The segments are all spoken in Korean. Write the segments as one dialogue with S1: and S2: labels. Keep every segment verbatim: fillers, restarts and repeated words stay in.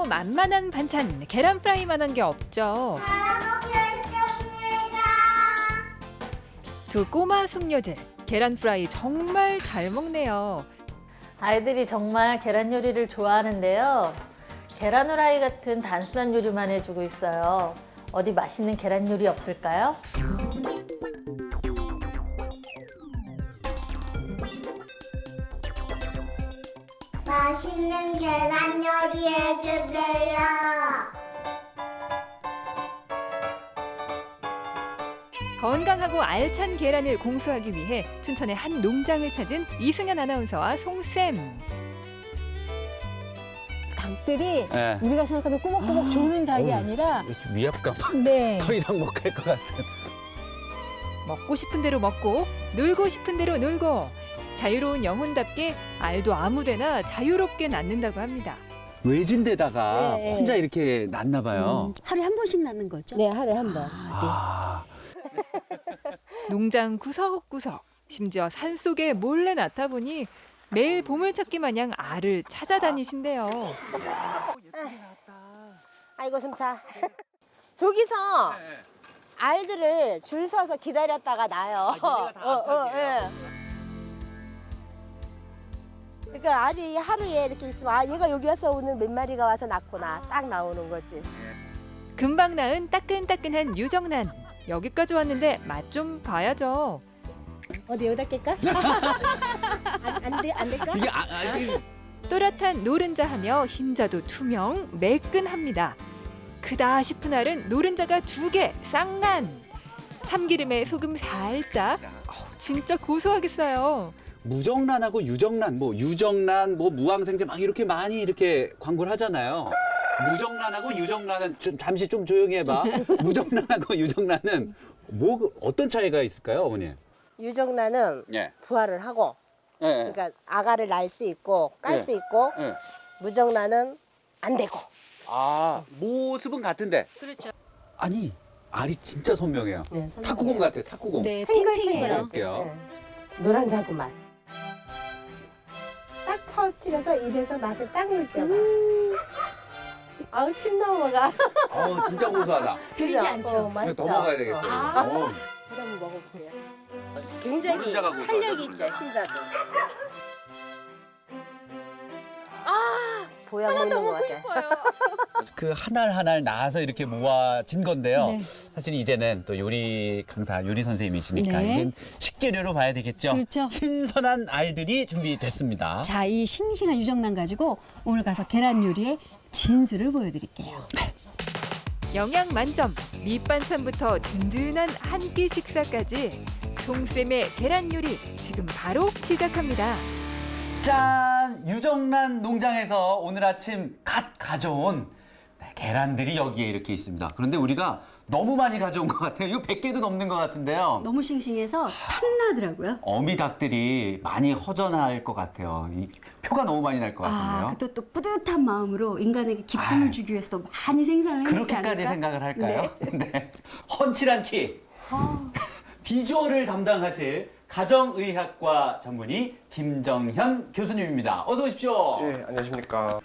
S1: 만만한 반찬, 계란 프라이만한 게 없죠. 두 꼬마 숙녀들, 계란 프라이 정말 잘 먹네요.
S2: 아이들이 정말 계란 요리를 좋아하는데요. 계란 후라이 같은 단순한 요리만 해주고 있어요. 어디 맛있는 계란 요리 없을까요?
S3: 맛있는 계란 요리 해주세요.
S1: 건강하고 알찬 계란을 공수하기 위해 춘천의 한 농장을 찾은 이승현 아나운서와 송쌤.
S4: 닭들이
S5: 네.
S4: 우리가 생각하는 꾸벅꾸벅 조는 닭이
S5: 어우,
S4: 아니라
S5: 위압감.
S4: 네.
S5: 더 이상 못 갈 것 같은.
S1: 먹고 싶은 대로 먹고 놀고 싶은 대로 놀고 자유로운 영혼답게 알도 아무데나 자유롭게 낳는다고 합니다.
S5: 외진 데다가
S4: 네.
S5: 혼자 이렇게 낳나 봐요.
S4: 하루에 한 번씩 낳는 거죠? 네, 하루에 한 번.
S5: 아,
S1: 농장 구석구석, 심지어 산속에 몰래 낳다 보니 매일 보물찾기 마냥 알을 찾아다니신대요.
S6: 아이고 숨차. 저기서 알들을 줄 서서 기다렸다가 나요.
S5: 얘네가 다 암탉이에요?
S6: 그러니까 알이 하루에 이렇게 있으면 아 얘가 여기 와서 오늘 몇 마리가 와서 낳구나 딱 나오는 거지.
S1: 금방 낳은 따끈따끈한 유정란. 여기까지 왔는데 맛 좀 봐야죠.
S6: 어디 여기다 깰까? 안, 안, 돼, 안 될까?
S5: 이게 아, 아, 이게
S1: 또렷한 노른자 하며 흰자도 투명, 매끈합니다. 크다 싶은 알은 노른자가 두 개, 쌍난. 참기름에 소금 살짝. 어우, 진짜 고소하겠어요.
S5: 무정란하고 유정란, 뭐 유정란, 뭐 무항생제 막 이렇게 많이 이렇게 광고를 하잖아요. 무정란하고 유정란은 좀 잠시 좀 조용히 해봐. 무정란하고 유정란은 뭐 어떤 차이가 있을까요, 어머니?
S6: 유정란은
S5: 예.
S6: 부화를 하고
S5: 예. 예.
S6: 그러니까 아가를 낳을 수 있고 깔
S5: 네.
S6: 수 있고
S5: 예.
S6: 무정란은 안 되고.
S5: 아, 모습은 같은데.
S2: 그렇죠.
S5: 아니, 알이 진짜 선명해요.
S6: 네, 선명해요.
S5: 탁구공 같아요, 탁구공.
S4: 네,
S6: 탱글탱글하지.
S5: 먹어볼게요.
S6: 네. 노란 자구만. 딱 터뜨려서 입에서 맛을 딱 느껴봐. 아우 침 넘어가.
S5: 어우, 진짜 고소하다.
S6: 그죠?
S4: 않죠?
S6: 어, 맛있죠?
S5: 더 먹어야 되겠어요.
S6: 어.
S5: 어우.
S6: 제가 한번 먹어볼게요. 굉장히
S5: 노른자가 고소하죠,
S6: 탄력이 있죠, 흰자도. 아, 보양 먹는 것 같아.
S5: 그 한 알 한 알 낳아서 이렇게 모아진 건데요.
S4: 네.
S5: 사실 이제는 또 요리 강사, 요리 선생님이시니까
S4: 네.
S5: 이제 식재료로 봐야 되겠죠.
S4: 그렇죠.
S5: 신선한 알들이 준비됐습니다.
S4: 자, 이 싱싱한 유정란 가지고 오늘 가서 계란 요리의 진수를 보여드릴게요.
S1: 영양 만점, 밑반찬부터 든든한 한 끼 식사까지 송쌤의 계란 요리 지금 바로 시작합니다.
S5: 짠! 유정란 농장에서 오늘 아침 갓 가져온 계란들이 여기에 이렇게 있습니다. 그런데 우리가 너무 많이 가져온 것 같아요. 이거 백 개도 넘는 것 같은데요.
S4: 너무 싱싱해서 탐나더라고요.
S5: 어미 닭들이 많이 허전할 것 같아요. 이 표가 너무 많이 날 것 같은데요.
S4: 아, 또, 또 뿌듯한 마음으로 인간에게 기쁨을
S5: 아유.
S4: 주기 위해서도 많이 생산을 해놓지
S5: 그렇게까지
S4: 않을까?
S5: 생각을 할까요? 네. 헌칠한 키. 비주얼을 담당하실 가정의학과 전문의 김정현 교수님입니다. 어서 오십시오.
S7: 예, 안녕하십니까.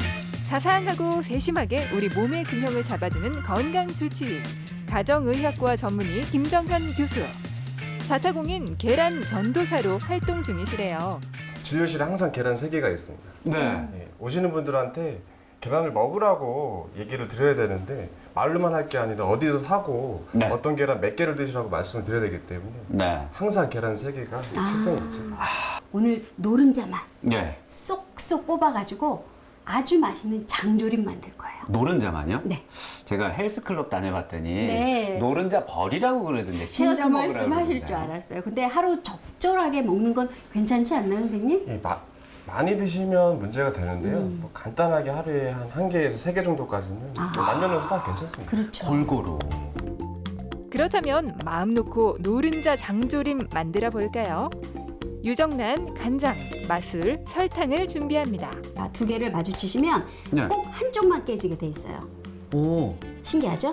S1: 자상하고 세심하게 우리 몸의 균형을 잡아주는 건강 주치의 가정의학과 전문의 김정현 교수. 자타공인 계란 전도사로 활동 중이시래요.
S7: 진료실에 항상 계란 세 개가 있습니다.
S5: 네.
S7: 예, 오시는 분들한테 계란을 먹으라고 얘기를 드려야 되는데 말로만 할 게 아니라 어디서 사고
S5: 네.
S7: 어떤 계란 몇 개를 드시라고 말씀을 드려야 되기 때문에
S5: 네.
S7: 항상 계란 세 개가 책상에 있죠.
S4: 오늘 노른자만
S5: 네.
S4: 쏙쏙 뽑아가지고 아주 맛있는 장조림 만들 거예요.
S5: 노른자만요?
S4: 네.
S5: 제가 헬스클럽 다녀봤더니
S4: 네.
S5: 노른자 버리라고 그러던데
S4: 제가
S5: 흰자
S4: 그
S5: 먹으라고
S4: 말씀 하실
S5: 그러던데.
S4: 줄 알았어요. 근데 하루 적절하게 먹는 건 괜찮지 않나요, 선생님?
S7: 이 마, 많이 드시면 문제가 되는데요.
S4: 음.
S7: 뭐 간단하게 하루에 한 한 개에서 세 개 정도까지는
S4: 아.
S7: 뭐 남녀노소 다 괜찮습니다.
S4: 그렇죠.
S5: 골고루.
S1: 그렇다면 마음 놓고 노른자 장조림 만들어 볼까요? 유정란, 간장, 마술, 설탕을 준비합니다.
S4: 자, 두 개를 마주치시면
S5: 네.
S4: 꼭 한쪽만 깨지게 돼 있어요.
S5: 오.
S4: 신기하죠?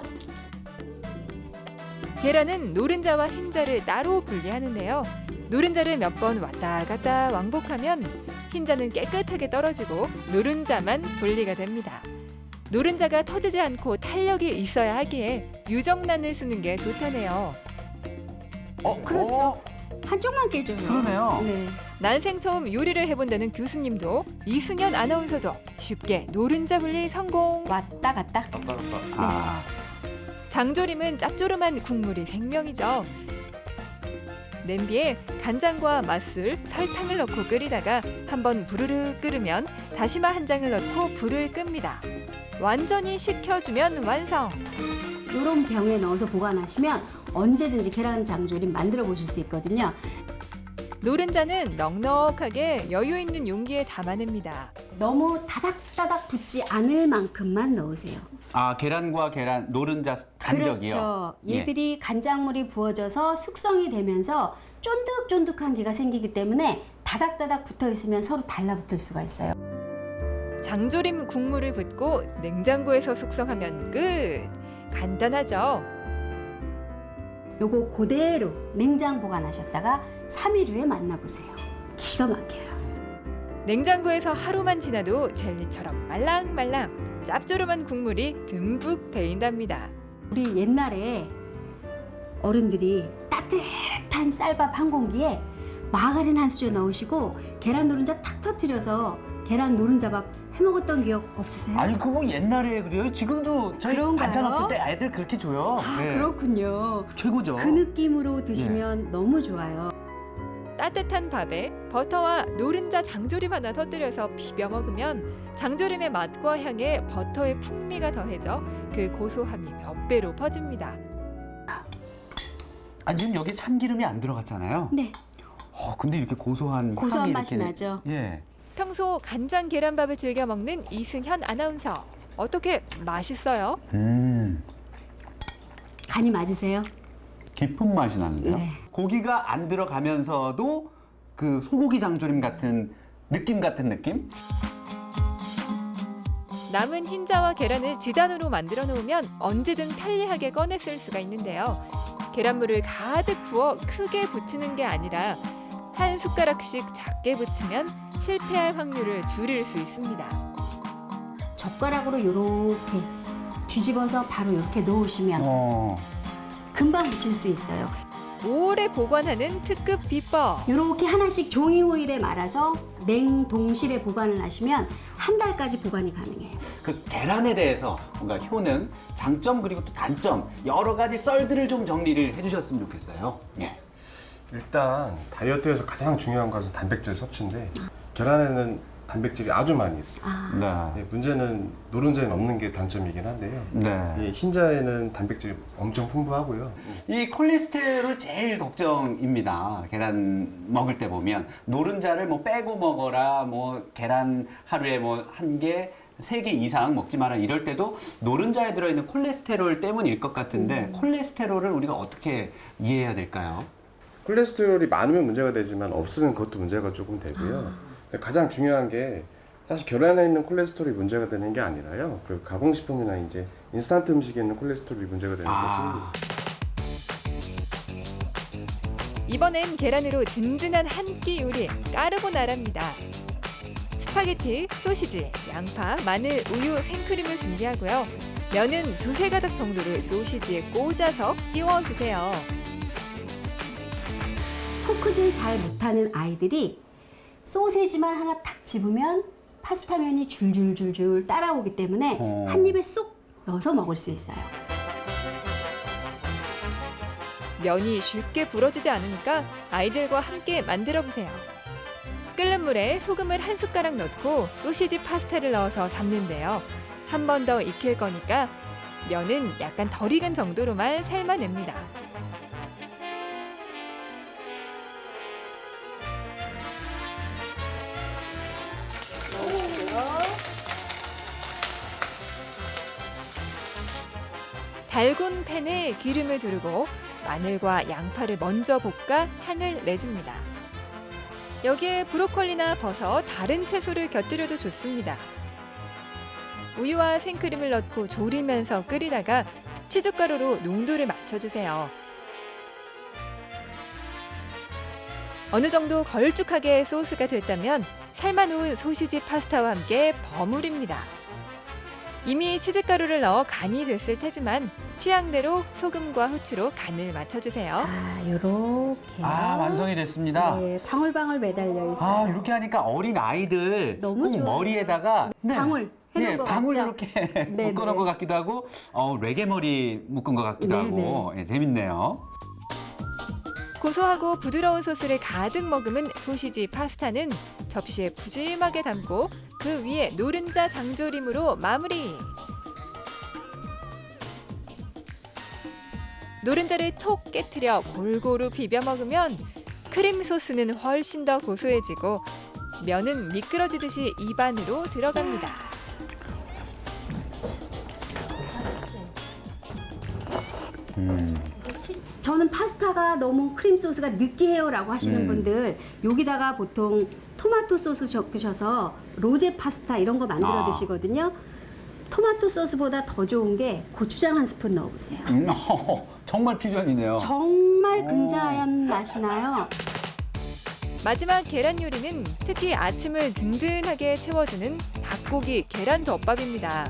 S1: 계란은 노른자와 흰자를 따로 분리하는데요. 노른자를 몇 번 왔다 갔다 왕복하면 흰자는 깨끗하게 떨어지고 노른자만 분리가 됩니다. 노른자가 터지지 않고 탄력이 있어야 하기에 유정란을 쓰는 게 좋다네요.
S5: 어,
S4: 그렇죠.
S5: 어,
S4: 한쪽만 깨져요.
S5: 그러네요.
S4: 네.
S1: 난생 처음 요리를 해본다는 교수님도 이승현 아나운서도 쉽게 노른자 분리 성공.
S4: 왔다 갔다.
S7: 왔다 갔다.
S5: 아,
S1: 장조림은 짭조름한 국물이 생명이죠. 냄비에 간장과 맛술, 설탕을 넣고 끓이다가 한번 부르르 끓으면 다시마 한 장을 넣고 불을 끕니다. 완전히 식혀주면 완성.
S4: 이런 병에 넣어서 보관하시면 언제든지 계란 장조림 만들어 보실 수 있거든요.
S1: 노른자는 넉넉하게 여유 있는 용기에 담아냅니다.
S4: 너무 다닥다닥 붙지 않을 만큼만 넣으세요.
S5: 아 계란과 계란 노른자 간격이요.
S4: 그렇죠.
S5: 예.
S4: 얘들이 간장물이 부어져서 숙성이 되면서 쫀득쫀득한 기가 생기기 때문에 다닥다닥 붙어 있으면 서로 달라붙을 수가 있어요.
S1: 장조림 국물을 붓고 냉장고에서 숙성하면 끝. 간단하죠.
S4: 요거 그대로 냉장 보관하셨다가 삼 일 후에 만나보세요. 기가 막혀요.
S1: 냉장고에서 하루만 지나도 젤리처럼 말랑말랑 짭조름한 국물이 듬뿍 배인답니다.
S4: 우리 옛날에 어른들이 따뜻한 쌀밥 한 공기에 마가린 한 수저 넣으시고 계란 노른자 탁 터뜨려서 계란 노른자밥 해 먹었던 기억 없으세요?
S5: 아니 그거 뭐 옛날에 그래요? 지금도 저희
S4: 그런가요?
S5: 반찬 없을 때 애들 그렇게 줘요.
S4: 아,
S5: 네.
S4: 그렇군요.
S5: 최고죠.
S4: 그 느낌으로 드시면 너무 좋아요.
S1: 따뜻한 밥에 버터와 노른자 장조림 하나 터뜨려서 비벼 먹으면 장조림의 맛과 향에 버터의 풍미가 더해져 그 고소함이 몇 배로 퍼집니다.
S5: 아 지금 여기 참기름이 안 들어갔잖아요.
S4: 네,
S5: 어 근데 이렇게 고소한
S4: 고소한
S5: 향이
S4: 맛이
S5: 이렇게
S4: 나죠.
S5: 예.
S1: 평소 간장 계란밥을 즐겨 먹는 이승현 아나운서. 어떻게 맛있어요?
S5: 음.
S4: 간이 맞으세요?
S5: 깊은 맛이 나는데요.
S4: 네.
S5: 고기가 안 들어가면서도 그 소고기 장조림 같은 느낌 같은 느낌?
S1: 남은 흰자와 계란을 지단으로 만들어 놓으면 언제든 편리하게 꺼내 쓸 수가 있는데요. 계란물을 가득 부어 크게 부치는 게 아니라 한 숟가락씩 작게 부치면 실패할 확률을 줄일 수 있습니다.
S4: 젓가락으로 이렇게 뒤집어서 바로 이렇게 놓으시면
S5: 어.
S4: 금방 붙일 수 있어요.
S1: 오래 보관하는 특급 비법.
S4: 이렇게 하나씩 종이 호일에 말아서 냉동실에 보관을 하시면 한 달까지 보관이 가능해요.
S5: 그 계란에 대해서 뭔가 효능, 장점 그리고 또 단점 여러 가지 썰들을 좀 정리를 해주셨으면 좋겠어요. 예.
S7: 일단 다이어트에서 가장 중요한 것은 단백질 섭취인데 계란에는 단백질이 아주 많이 있어요.
S4: 아,
S5: 네.
S7: 네, 문제는 노른자에는 없는 게 단점이긴 한데요.
S5: 네.
S7: 이 흰자에는 단백질이 엄청 풍부하고요.
S5: 이 콜레스테롤 제일 걱정입니다. 계란 먹을 때 보면 노른자를 뭐 빼고 먹어라, 뭐 계란 하루에 뭐 한 개, 세 개 이상 먹지 마라 이럴 때도 노른자에 들어있는 콜레스테롤 때문일 것 같은데 콜레스테롤을 우리가 어떻게 이해해야 될까요?
S7: 콜레스테롤이 많으면 문제가 되지만 없으면 그것도 문제가 조금 되고요. 근데 가장 중요한 게 사실 계란에 있는 콜레스테롤이 문제가 되는 게 아니라요. 그 가공식품이나 이제 인스턴트 음식에 있는 콜레스테롤이 문제가 되는
S5: 아.
S7: 거지.
S1: 이번엔 계란으로 든든한 한 끼 요리 까르보나라입니다. 스파게티, 소시지, 양파, 마늘, 우유, 생크림을 준비하고요. 면은 두세 가닥 정도를 소시지에 꽂아서 끼워주세요.
S4: 포크질 잘 못하는 아이들이 소세지만 하나 탁 집으면 파스타면이 줄줄줄줄 따라오기 때문에
S5: 어.
S4: 한 입에 쏙 넣어서 먹을 수 있어요.
S1: 면이 쉽게 부러지지 않으니까 아이들과 함께 만들어 보세요. 끓는 물에 소금을 한 숟가락 넣고 소시지 파스타를 넣어서 삶는데요. 한 번 더 익힐 거니까 면은 약간 덜 익은 정도로만 삶아냅니다. 달군 팬에 기름을 두르고 마늘과 양파를 먼저 볶아 향을 내줍니다. 여기에 브로콜리나 버섯, 다른 채소를 곁들여도 좋습니다. 우유와 생크림을 넣고 졸이면서 끓이다가 치즈가루로 농도를 맞춰주세요. 어느 정도 걸쭉하게 소스가 됐다면 삶아놓은 소시지 파스타와 함께 버무립니다. 이미 치즈가루를 넣어 간이 됐을 테지만 취향대로 소금과 후추로 간을 맞춰주세요.
S4: 아, 요렇게.
S5: 아, 완성이 됐습니다.
S4: 네, 방울방울 매달려 있어요.
S5: 아, 이렇게 하니까 어린 아이들
S4: 너무
S5: 꼭
S4: 좋아요.
S5: 머리에다가 네.
S4: 방울 해놓은
S5: 네,
S4: 거
S5: 방울
S4: 같죠?
S5: 이렇게
S4: 네,
S5: 묶어놓은
S4: 네.
S5: 것 같기도 하고 어, 레게 머리 묶은 것 같기도
S4: 네,
S5: 하고 예, 재밌네요.
S1: 고소하고 부드러운 소스를 가득 머금은 소시지 파스타는 접시에 푸짐하게 담고 그 위에 노른자 장조림으로 마무리. 노른자를 톡 깨트려 골고루 비벼 먹으면 크림 소스는 훨씬 더 고소해지고 면은 미끄러지듯이 입 안으로 들어갑니다.
S4: 저는 파스타가 너무 크림 소스가 느끼해요라고 하시는
S5: 음.
S4: 분들 여기다가 보통 토마토 소스 적으셔서 로제 파스타 이런 거 만들어
S5: 아.
S4: 드시거든요. 토마토 소스보다 더 좋은 게 고추장 한 스푼 넣어보세요.
S5: 음, 정말 퓨전이네요.
S4: 정말 근사한 맛이 나요.
S1: 마지막 계란 요리는 특히 아침을 든든하게 채워주는 닭고기 계란 덮밥입니다.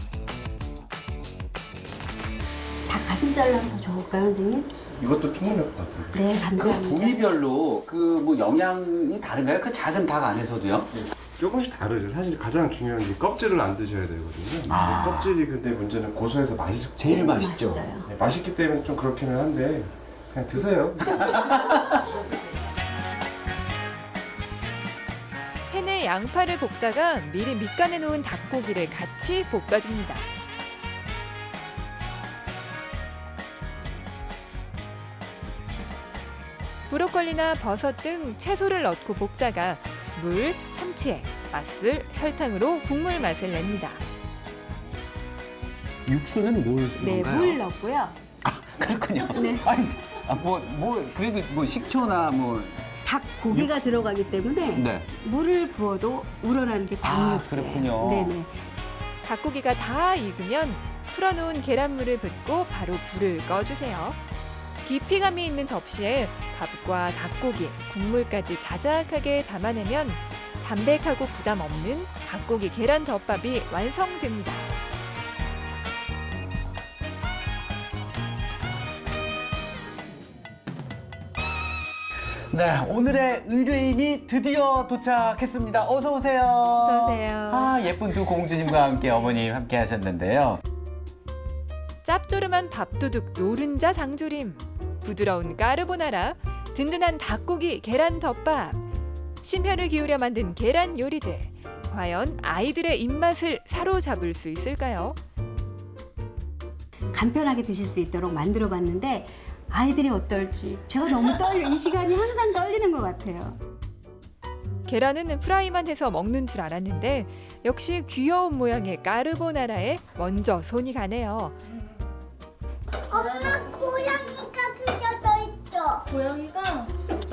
S4: 닭 가슴살로 한번 더 줘볼까요, 선생님?
S7: 이것도 충분할 것 같아요.
S4: 네,
S5: 그
S4: 감사합니다.
S5: 부위별로 그 뭐 영양이 다른가요? 그 작은 닭 안에서도요?
S7: 조금씩 다르죠. 사실 가장 중요한 게 껍질을 안 드셔야 되거든요.
S5: 아.
S7: 근데 껍질이 근데 문제는 고소해서 맛이
S5: 제일 맛있죠.
S4: 맛있어요.
S7: 네, 맛있기 때문에 좀 그렇기는 한데 그냥 드세요.
S1: 팬에 양파를 볶다가 미리 밑간해 놓은 닭고기를 같이 볶아줍니다. 브로콜리나 버섯 등 채소를 넣고 볶다가 물, 참치액, 맛술, 설탕으로 국물 맛을 냅니다.
S5: 육수는 뭘 쓴
S4: 네,
S5: 건가요?
S4: 물 넣고요.
S5: 그렇군요.
S4: 네.
S5: 아니, 아, 뭐, 뭐, 그래도 뭐 식초나 뭐.
S4: 닭 고기가 들어가기 때문에
S5: 네.
S4: 물을 부어도 우러나는 게
S5: 아,
S4: 닭육수예요.
S5: 그렇군요.
S4: 네네.
S1: 닭고기가 다 익으면 풀어놓은 계란물을 붓고 바로 불을 꺼주세요. 깊이감이 있는 접시에 밥과 닭고기, 국물까지 자작하게 담아내면 담백하고 부담 없는 닭고기 계란 덮밥이 완성됩니다.
S5: 네, 오늘의 의뢰인이 드디어 도착했습니다. 어서 오세요.
S1: 어서 오세요.
S5: 아, 예쁜 두 공주님과 함께 어머님 함께 하셨는데요.
S1: 짭조름한 밥도둑 노른자 장조림, 부드러운 까르보나라, 든든한 닭고기 계란 덮밥, 심혈을 기울여 만든 계란 요리들. 과연 아이들의 입맛을 사로잡을 수 있을까요?
S4: 간편하게 드실 수 있도록 만들어 봤는데 아이들이 어떨지 제가 너무 떨려. 이 시간이 항상 떨리는 것 같아요.
S1: 계란은 프라이만 해서 먹는 줄 알았는데 역시 귀여운 모양의 까르보나라에 먼저 손이 가네요.
S3: 엄마 고양이가 그려져 있어.
S2: 고양이가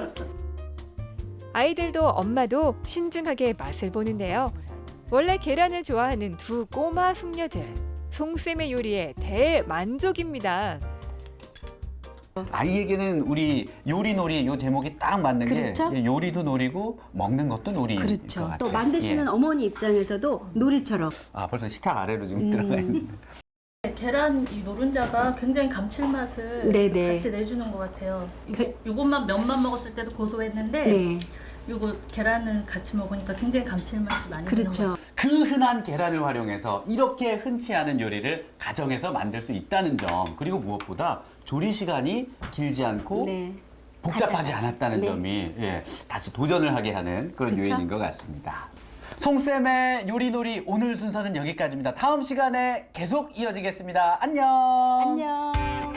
S1: 아이들도 엄마도 신중하게 맛을 보는데요. 원래 계란을 좋아하는 두 꼬마 숙녀들. 송쌤의 요리에 대만족입니다.
S5: 아이에게는 우리 요리놀이 요 제목이 딱 맞는
S4: 그렇죠?
S5: 게 예, 요리도 놀이고 먹는 것도 놀이인 것
S4: 그렇죠.
S5: 같아요.
S4: 또 만드시는
S5: 예.
S4: 어머니 입장에서도 놀이처럼.
S5: 아, 벌써 식탁 아래로 지금
S4: 음.
S5: 들어가 있는데.
S2: 계란 이 노른자가 굉장히 감칠맛을
S4: 네네.
S2: 같이 내주는 것 같아요. 이거,
S4: 그-
S2: 요것만 면만 먹었을 때도 고소했는데
S4: 네,
S2: 요거 계란을 같이 먹으니까 굉장히 감칠맛이 많이 나는 것
S4: 그렇죠.
S2: 같아요.
S5: 그 흔한 계란을 활용해서 이렇게 흔치 않은 요리를 가정에서 만들 수 있다는 점, 그리고 무엇보다 조리 시간이 길지 않고
S4: 네.
S5: 복잡하지
S4: 간단하죠.
S5: 않았다는
S4: 네.
S5: 점이 예, 다시 도전을 하게 하는 그런
S4: 그쵸?
S5: 요인인 것 같습니다. 송쌤의 요리놀이 오늘 순서는 여기까지입니다. 다음 시간에 계속 이어지겠습니다. 안녕.
S4: 안녕.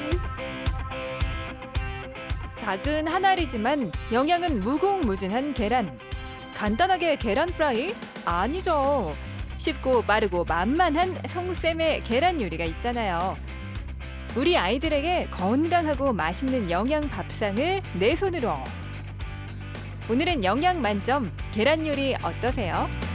S1: 작은 한 알이지만 영양은 무궁무진한 계란. 간단하게 계란 프라이? 아니죠. 쉽고 빠르고 만만한 송쌤의 계란 요리가 있잖아요. 우리 아이들에게 건강하고 맛있는 영양 밥상을 내 손으로. 오늘은 영양 만점 계란 요리 어떠세요?